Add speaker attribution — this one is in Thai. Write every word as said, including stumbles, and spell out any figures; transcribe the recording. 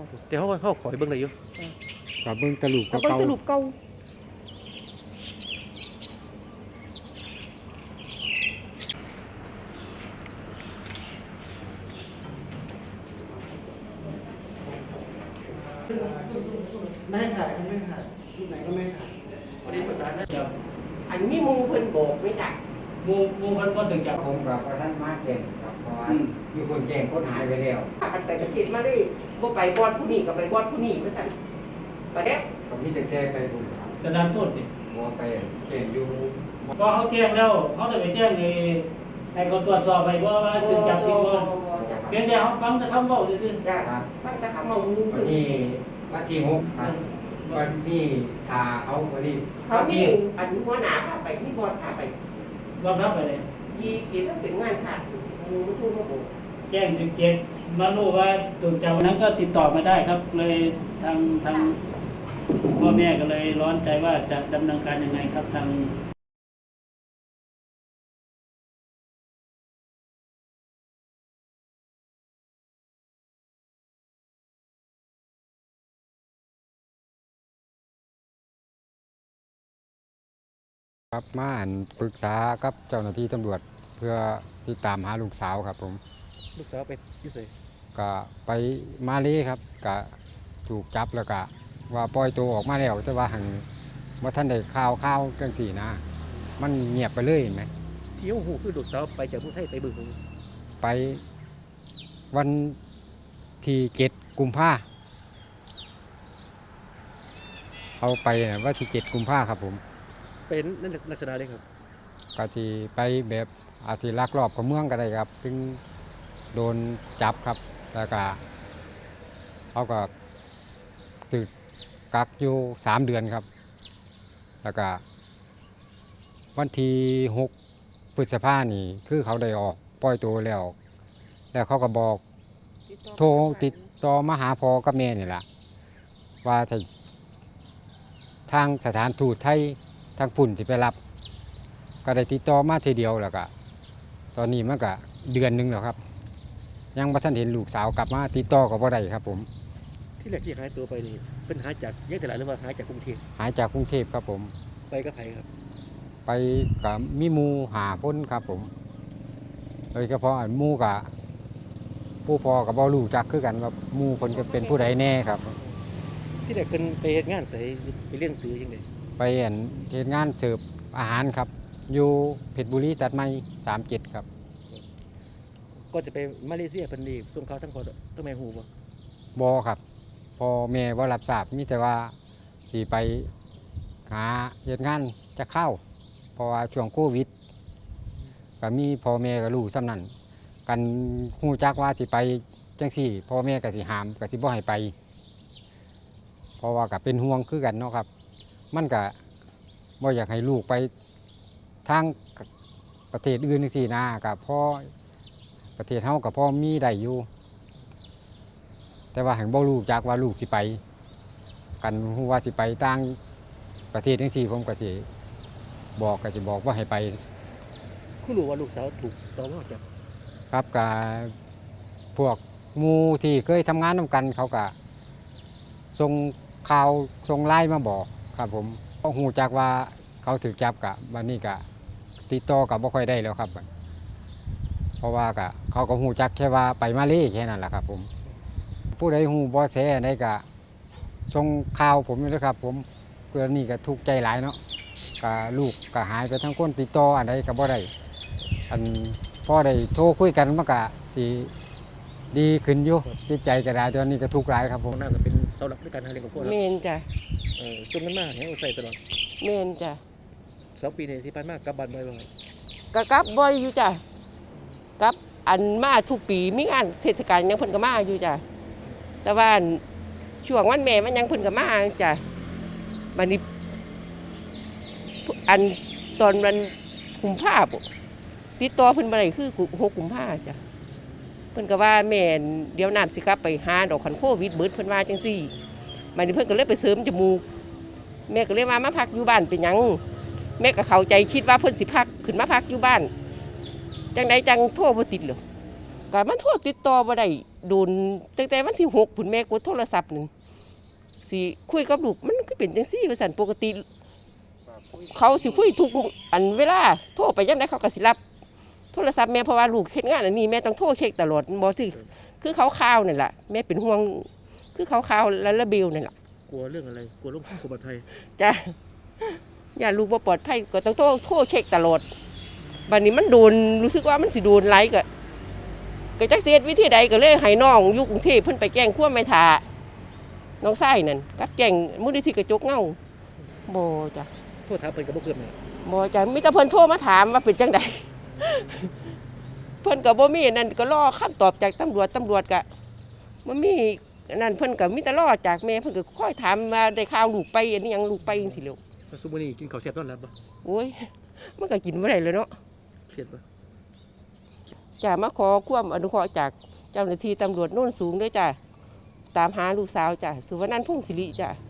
Speaker 1: แต่เขาเขาขอให้เบิ่งได้อยู่
Speaker 2: กับเบิ่งตะลุก
Speaker 1: เอาเบิ่ง
Speaker 2: เก่า
Speaker 1: แต่รูปเก่าไม่ถ่ายไม่ถ่ายรูปไหนก็ไม่ถ่ายวันนี้ภาษาเนี่ย
Speaker 3: จับ
Speaker 4: อันนี้มูเพิ่นโบกไม่ใช่
Speaker 3: หมูหมูมันก็ถึงจับ
Speaker 2: ผมกับท่านมาแจ้งครับเพราะว่ามีคนแจ้งคนหายไปแล้ว
Speaker 4: ถ้ากันไปประเทศมาได้บ่ไปบอดผู้นี้ก็ไปบอดผู้นี้ว่าซั่นประเด็ก
Speaker 2: ก็มีแต่แก้ไปบุญครับ
Speaker 3: จะดันโทษดิ
Speaker 2: บ่ไปเขียนอยู่
Speaker 3: ก็เขาแจ้งแล้วเขาได้ไปแจ้งในให้เขาตรวจสอบไปว่าว่าถึงจับจริงบ่เพียงแต่เขาฟังแต่คำบอกซื่อ
Speaker 4: จ้ะฟังแต่คำเอามู
Speaker 2: วั
Speaker 4: เพิ่
Speaker 2: น
Speaker 4: น
Speaker 2: นี้วันที่หกครับวันนี้ทาเอาวันนี้
Speaker 4: เขา
Speaker 2: วัน
Speaker 4: มี
Speaker 2: ที่
Speaker 4: อันหัวหน้าพาไปมีบอดพาไป
Speaker 3: ๆรอบรับไปเลย
Speaker 4: ยีเกี่ยวกับเป็นงานชาติมูมันพูดมาโบก
Speaker 3: แจ้งสิบเจ็ดมารู้ว่าถูกจับวันนั้นก็ติดต่อมาได้ครับ เลยทางทางพ่อแม่ก็เลยร้อนใจว่าจะดำเนินการยังไงครับทาง
Speaker 2: ครับมาอ่านปรึกษากับเจ้าหน้าที่ตำรวจเพื่อติดตามหาลูกสาวครับผม
Speaker 1: ลูกสาวไปอยู่ไส
Speaker 2: ก็ไปมาเลยครับก็ถูกจับแล้วก็ว่าปล่อยตัวออกมาแล้วแต่ว่าหังว่าท่านได้ข่าวข่าวจังสี่นะ มันเงียบไปเลยเห็นไหม
Speaker 1: ที่เขาหูคือลูกสาวไปจากกรุงเทพไปเบิ่งผม
Speaker 2: ไปวันที่เจ็ดกุมภาเอาไปนะว่าที่เจ็ดกุมภาครับผม
Speaker 1: เป็นนั่นลักษณะเลยครับ
Speaker 2: ก็ที่ไปแบบอาจจะลักลอบเข้าเมืองก็ได้ครับถึงโดนจับครับแล้วก็เขาก็ตึกกักอยู่สามเดือนครับ แล้วก็วันที่หกพฤษภานี่คือเขาได้ออกปล่อยตัวแล้ว แล้วเขาก็บอกโทรติดต่อมาหาพ่อกับแม่นี่แหละว่าถ้าทางสถานทูตไทยทางปุ่นที่ไปรับ ก็ได้ติดต่อมาทีเดียวแล้วก็ตอนนี้มันก็เดือนหนึงแล้วครับ ยังบ่ทันเห็นลูกสาวกลับมาติดต่อก็บ่ได้ครับผม
Speaker 1: ที่แรกที่หายตัวไปนี่เป็นหายจากแยกตลาดหรือว่าหายจากกรุงเทพ
Speaker 2: หายจากกรุงเทพครับผม
Speaker 1: ไปกับไผครับ
Speaker 2: ไปกับมีหมูหาพ้นครับผมโดยเฉพาะอันหมูกับผู้พอกับบ่รู้จักคือกันว่าหมูเพิ่นก็เป็นผู้ใดแน่ครับ
Speaker 1: ที่แรกเป็นไปเฮ็ดงานไสไปเลี้ยงซื้อจังได๋
Speaker 2: ไปเห็นเฮ็ดงานเสิร์ฟอาหารครับ อยู่เพชรบุรีตัดไม้สามเจ็ดครับ
Speaker 1: ก็จะไปมาเลเซียเพิ่นนี่ส่งเขาทั้งพ่อทั้งแม่ฮู้บ่
Speaker 2: บอครับพอแม่ว่ารับทราบมีแต่ว่าสิไปหาเหตุงานจะเข้า เพราะว่าช่วงโควิดก็มีพ่อแม่ก็รู้ซ้ำนั้นกันฮู้จักว่าสิไปจังสี่พ่อแม่ก็สิหามก็สิบ่ให้ไป เพราะว่าก็เป็นห่วงคือกันเนาะครับ มันก็บ่อยากให้ลูกไปทางประเทศอื่นจังซี่นะก็พอประเทศเฮาก็พอมีได้อยู่ แต่ว่าแห่งบ่รู้จักว่าลูกสิไป กันฮู้ว่าสิไปต่างประเทศจังซี่ผมก็สิบอกก็สิบอกว่าให้ไป
Speaker 1: คุณรู้ว่าลูกสาวถูกตมจับ
Speaker 2: ครับกับพวกหมู่ที่เคยทำงานนำกันเขาก็ส่งข่าวส่งไลน์มาบอกครับผมก็ฮู้จักว่าเขาถูกจับกะวันนี้ก็ติดต่อกับบ่ค่อยได้แล้วครับ เพราะว่าก็เขาก็ฮู้จักแค่ว่าไปมาเลแค่นั้นแหละครับผม ผู้ใดฮู้บ่แสได้ก็ส่งข่าวผมอยู่นะครับผมเพื่อนี่ก็ทุกข์ใจหลายเนาะก็ลูกก็หายไปทั้งคนติดต่ออันใดก็บ่ได้อันพอได้โทรคุยกันมันก็สิดีขึ้นอยู่จิตใจก็ได้ตอนนี้ก็ทุกข์หลายครับผ
Speaker 1: ขอ
Speaker 2: ม
Speaker 1: งน้าก็เป็นเสาหลักในการหาเลี้ยงครอบครัว
Speaker 4: เม
Speaker 1: เนาะ
Speaker 4: นจ้ะ
Speaker 1: เออช่วงนั้นมาให้เอาใส่ตลอด
Speaker 4: เมนจ้ะ
Speaker 1: สองปีนี้ที่ผ่านมากลับบ้านบ่อย
Speaker 4: ก็กลับบ่อยอยู่จ้ะกลับอันมาทุกปีมีงานเทศกาลยังเพิ่นก็มาอยู่จ้ะแต่ว่าช่วงวันแม่มันยังเพิ่นก็มาจ้ะบัดนี้อันตอนวันกุมภาพันธ์ติดต่อเพิ่นบ่ได้คือหกกุมภาพันธ์จ้ะเพิ่นก็ว่าแม่นเดี๋ยวน้ำสิกลับไปหาดอกคันโควิดเบิดเพิ่นว่าจังซี่บัดนี้เพิ่นก็เลยไปเสริมจมูกแม่ก็เลยว่ามาพักอยู่บ้านเป็นหยังแม่ก็เข้าใจคิดว่าเพิ่นสิพักขึ้นมาพักอยู่บ้านจังใดจังโทรบ่ติดเหรอก็มันโทรติดต่อบ่ได้โดนตั้งแต่วันที่หกผุนแม่กดโทรศัพท์นึงสิคุยกับลูกมันก็เป็นจังซี่ว่าซั่นปกติเขาสิคุยทุกอันเวลาโทรไปยามใดเขาก็สิรับโทรศัพท์แม่เพราะว่าลูกเฮ็ดงานอันนี้แม่ต้องโทรเช็คตลอดบ่ถือคือเขาข่าวนั่นล่ะแม่เป็นห่วงคือเขาข่าวและระเบียวนั่นล่ะ
Speaker 1: กลัวเรื่องอะไรกลัวลูกกลัวบัตรไทย
Speaker 4: จ้ะอย่าลูกบ่ปลอดภัยก็ต้องโทรโทรเช็คตลอดบัดนี้มันโดนรู้สึกว่ามันสิโดนไล่ก็ก็จักสิเฮ็ดวิธีใดก็เลยให้น้องอยู่กรุงเทพเพิ่นไปแจ้งความแม่ทาน้องชายนั่นกับแจ้งมูลนิธิกระจกเงาบ่จ้ะ
Speaker 1: โทษท้าเพิ่นกับบ่เกิดแม่
Speaker 4: บ่จ้ะมีแต่เพิ่นโทรมาถามว่าเป็นจังได เพิ่นก็บ่มีนั่นก็รอคำตอบจากตำรวจตำรวจก็บ่มีนั่นเพิ่นก็มีแต่รอจากแม่เพิ่นก็คอยถามว่าได้ข่าวลูกไปอันนี้หยังลูกไปจังซี่แหล้ว
Speaker 1: แล้วซุมื้อนี้กินข้าวแซ่บนอนหลับบ่
Speaker 4: โอ้ยมันก็กินบ่ได้เลยเนาะ
Speaker 1: เครียดบ่
Speaker 4: จ้ะมาขอความอนุเคราะห์จากเจ้าหน้าที่ตำรวจโน่นสูงด้วยจ้ะตามหาลูกสาวจ้ะสุวรรณันท์พงศิริจ้ะ